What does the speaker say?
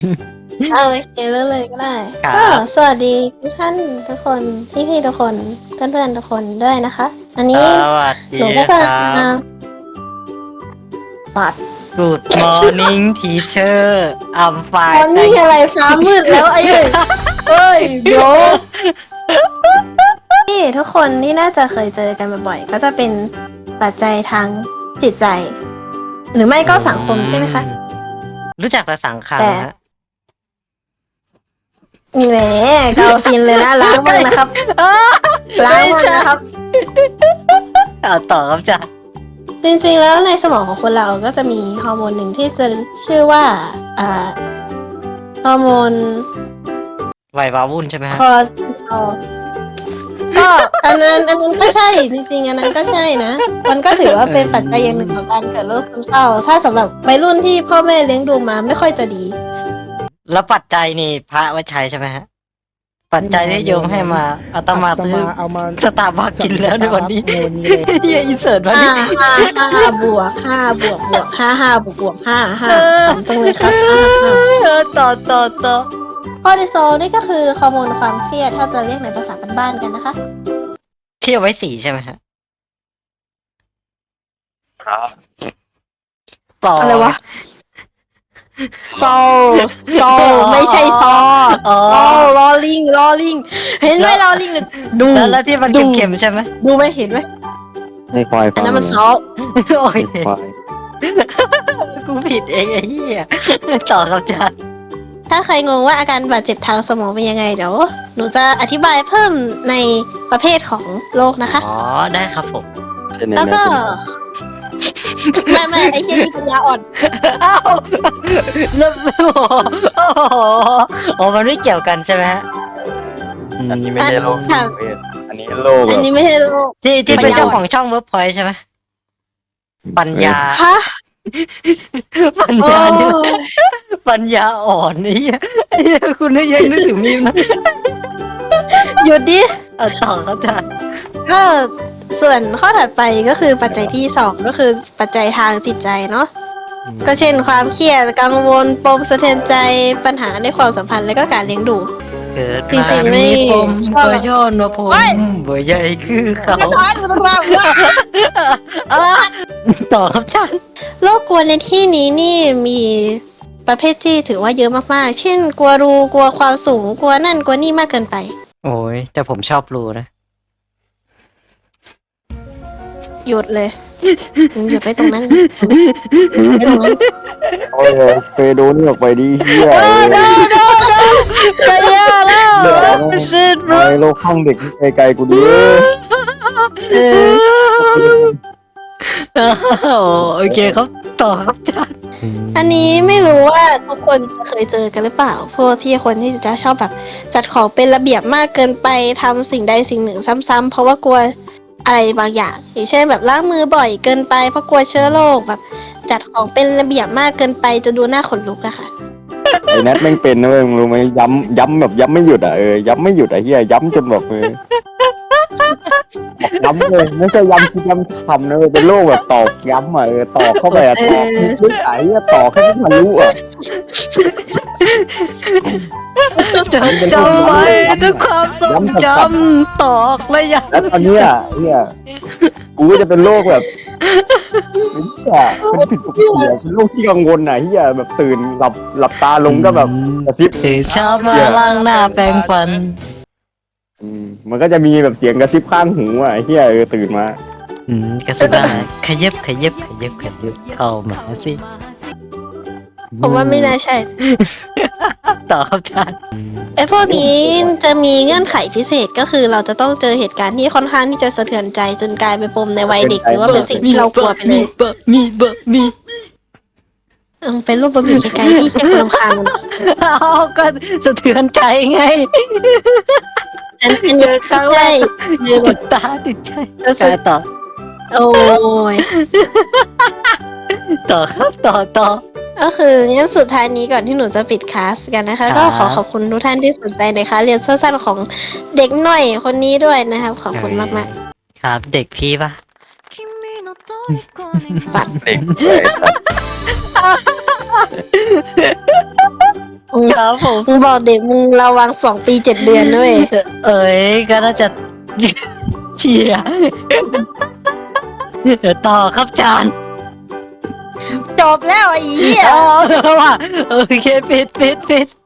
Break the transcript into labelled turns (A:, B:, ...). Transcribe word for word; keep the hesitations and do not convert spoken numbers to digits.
A: เอาโอเคเริ่มเลยก็ได้
B: ครั
A: ก็
B: บ
A: สวัสดีทุกท่านทุกคนพี่พี่ๆทุกคนเพื่อนเพื่อนๆทุกคนด้วยนะคะ อัน
B: ส
A: นี้
B: วัส
A: ห
B: ดี
A: นูก็
B: ค
A: จะ
B: รั
A: มา
B: บ
A: ปัด
B: Good morning teacher I'm
A: ตอน
B: fine
A: นี้
B: thank
A: อะไรฟ้ามืดแล้วไอ้เอ้ยเอ้ยเดี๋ยวที่ทุกคนที่น่าจะเคยเจอกันบ่อยๆก็จะเป็นปัจจัยทางจิตใจ หรือไม่ก็สังคมใช่ไหมคะ
B: รู้จักแต่สังคัง
A: แต่
B: ฮะ
A: แหมเกาฟินเลยนะล้างบ้างนะครับ ล้างบ้างนะครับ
B: เอาต่อครับจ้ะ
A: จริงๆ แล้วในสมองของคนเราก็จะมีฮอร์โมนหนึ่งที่จะชื่อว่าอ่าฮอร์โมน
B: ไหววาวุ่นใช่ไหมฮะ
A: คอร์ติซอลก็อันนั้นอันนั้นก็ใช่จริงๆ อันนั้นก็ใช่นะ มันก็ถือว่าเป็นปัจจัยอย่างหนึ่งของการเกิดโรคซึมเศร้า ถ้าสำหรับวัยรุ่นที่พ่อแม่เลี้ยงดูมาไม่ค่อยจะดี
B: แล้วปัจจัยนี่พระไว้ใช้ใช่ไหมฮะ ปัจจัยที่โยมให้มาอาตมาซื้อ
C: เอามา
B: สตาร์บัคกินแล้วในวันนี้
C: ในวันนี้เลย
B: เฮียอินเสิร์ตมา
A: ห้า
B: ดิ
A: ห้าห้าบวกห้าบวกบวกห้าห้าบวกบวกห้าห้าทำตรงเลยครับห้าห้า
B: เออต่อต่อต่อ
A: คอร์ติซอลนี่ก็คือฮอร์โมนความเครียดถ้าจะเรียกในภาษาบ้านๆกันนะคะ
B: เที่ยวไว้สีใช่ไหมฮะ
D: ครับ
B: สอง
A: อะไรวะโซโซไม่ใช่ซอ
B: อ๋อ
A: โซลอลิงลอลิง เห็นไหมลอลิงเนี่ยดู
B: แล้วแล้วที่มัน
A: ดู
B: เค็มๆใช่ไหม
A: ดูไหมเห็นไหม
D: ให้ควาย
A: อั
D: ฟั
A: น
D: ง
A: นั้นมันซอ
B: โอ้ย
D: ให้ควาย
B: กูผิดเองไอ้เหี้ยต่อครับจ้า
A: ถ้าใครงงว่าอาการบาดเจ็บทางสมองเป็นยังไงเดี๋ยวหนูจะอธิบายเพิ่มในประเภทของโรคนะคะ
B: อ๋อได้ครับผม
D: เช่นใน
A: แล้ว
D: แม่
A: ก็
D: เป็น
A: ไม่ไม่ไอ้เชี่ยนี่ปัญญาอ่อน
B: อ้าวแล้วโอ้โหโอ้มันไม่เกี่ยวกันใช่ไหมฮะ
D: อันนี้ไม่ใช่โรคจิตเวชอันนี้โรค
A: อัน
D: แบบ
A: นี้ไม่ใช่โรค
B: ที่ที่
A: ปั
B: เป็น
A: ญญา
B: เจ้าของช่องเวิร์กพอยใช่ไหมปัญญา
A: ฮะ
B: ปัญ
A: โอ้
B: ญาเนี่ยปัญญาอ่อนไอ้เหี้ยไอ้เหี้ยคุณนึกยังนึกถึงมีมนะ
A: หยุดดิ
B: เอาต่อครับจ้า
A: ก็ส่วนข้อถัดไปก็คือปัจจัยที่สองก็คือปัจจัยทางจิตใจเนาะก็เช่นความเครียดกังวลปมสะเทือนใจปัญหาในความสัมพันธ์และก็การเลี้ยงดู
B: เกิด
A: จริ
B: มาง
A: ๆไม่
B: มีผม
A: ชอบ
B: ก็ย้อนว่าผม
A: เฮ้ย
B: บ่ใหญ่คือเขา
A: ร้อนมันต้องรับ
B: อ่ะต่อครับจ้า
A: โรคกลัวในที่นี้นี่มีประเภทที่ถือว่าเยอะมากๆ เช่น กลัวรูกลัวความสูงกลัวนั่นกลัวนี่มากเกินไป
B: โอ้ยแต่ผมชอบรูนะ
A: หยุดเลยหยุดไปตรงนั้นไปตรงนั้น
D: โอ้ยเฟโดนี่ออกไปดิเฮีย
B: กะยาแล้ว
D: เดี๋ยว
B: ชิด
D: ไอ้โรคข้างเด็กไกลๆกูดิ
A: เออ
B: โอเคครับต่อครับจ้า
A: อันนี้ไม่รู้ว่าทุกคนจะเคยเจอกันหรือเปล่า พวกที่คนที่จะชอบแบบจัดของเป็นระเบียบมากเกินไปทำสิ่งใดสิ่งหนึ่งซ้ำๆเพราะว่ากลัวอะไรบางอย่างอย่างเช่นแบบล้างมือบ่อยเกินไปเพราะกลัวเชื้อโรคแบบจัดของเป็นระเบียบมากเกินไปจะดูหน้าขนลุกอะค่ะ
D: ไอ้แนทแม่งเป็นนะเว้ยมึงรู้ไหมย้ำย้ำแบบย้ำไม่หยุดอ่ะเออย้ำไม่หยุดอ่ะเฮียย้ำจนแบบเออบอกย้ำเลยไม่ใช่ย้ำที่ย้ำทำนะเว้ยเป็นโรคแบบตอกย้ำอ่ะเออตอกเข้าไปอ่ะตอกลึกๆอ่ะเฮียตอกให้มันทะลุอ่ะ
B: จำจำไว้ทุกความทรงจำตอกและยัง
D: แล้วตอนเนี้ยเฮียกูก็จะเป็นโรคแบบเฮียเป็นผิดปกติอะเป็นโรคที่กังวลอ่ะเฮียแบบตื่นหลับหลับตาลงก็แบบกระซิบ
B: ตื่นเช้ามาล้างหน้าแปรงฟัน
D: อืมมันก็จะมีแบบเสียงกระซิบข้างหูอ่ะเฮียเออตื่นมา
B: อืมกระสิบอะไรขยับขยับขยับขยับเข้ามาสิ
A: ผมว่าไม่น่าใช่
B: ต่อครับจ้า
A: ไอ้พวกนี้จะมีเงื่อนไขพิเศษก็คือเราจะต้องเจอเหตุการณ์ที่ค่อนข้างที่จะสะเทือนใจจนกลายเป็นปมในวัยเด็กหรือว่าเป็นสิ่งที่เรากลัวไปเลย
B: บะมีบะมี
A: เออเป็นรูปบะหมี่ไกลๆที่แค่คนรำคาญมัน
B: เอาก็สะเทือนใจไง
A: อันอัน
B: เจ
A: นี้
B: อครั้งแร
A: ใช่
B: ก
A: เจอแบ
B: ติ
A: บ
B: ดตาติดใจ
A: รู้สึ
B: กาก รต่อ
A: โอ้ย
B: ต่อครับต่อต่อ
A: ก็คืองั้นสุดท้ายนี้ก่อนที่หนูจะปิดคลาสกันนะคะ
B: ครับ
A: ก็ขอขอบคุณทุกท่านที่สนใจในคลาสเรียนสั้นๆของเด็กหน่อยคนนี้ด้วยนะครับ ขอบคุณมากๆ
B: ครับเด็กพี่ปะ
D: เด็กเลยสัตว์
B: ครับผม
A: มึงบอกเด็กมึงระวังสองปีเจ็ดเดือนด้วย
B: เอ้ยก็น่าจะ เชียร์เดี๋ยวต่อครับจาน
A: จบแล้วไอ้เหี้ย
B: เออว่าโอเคปิดปิดปิด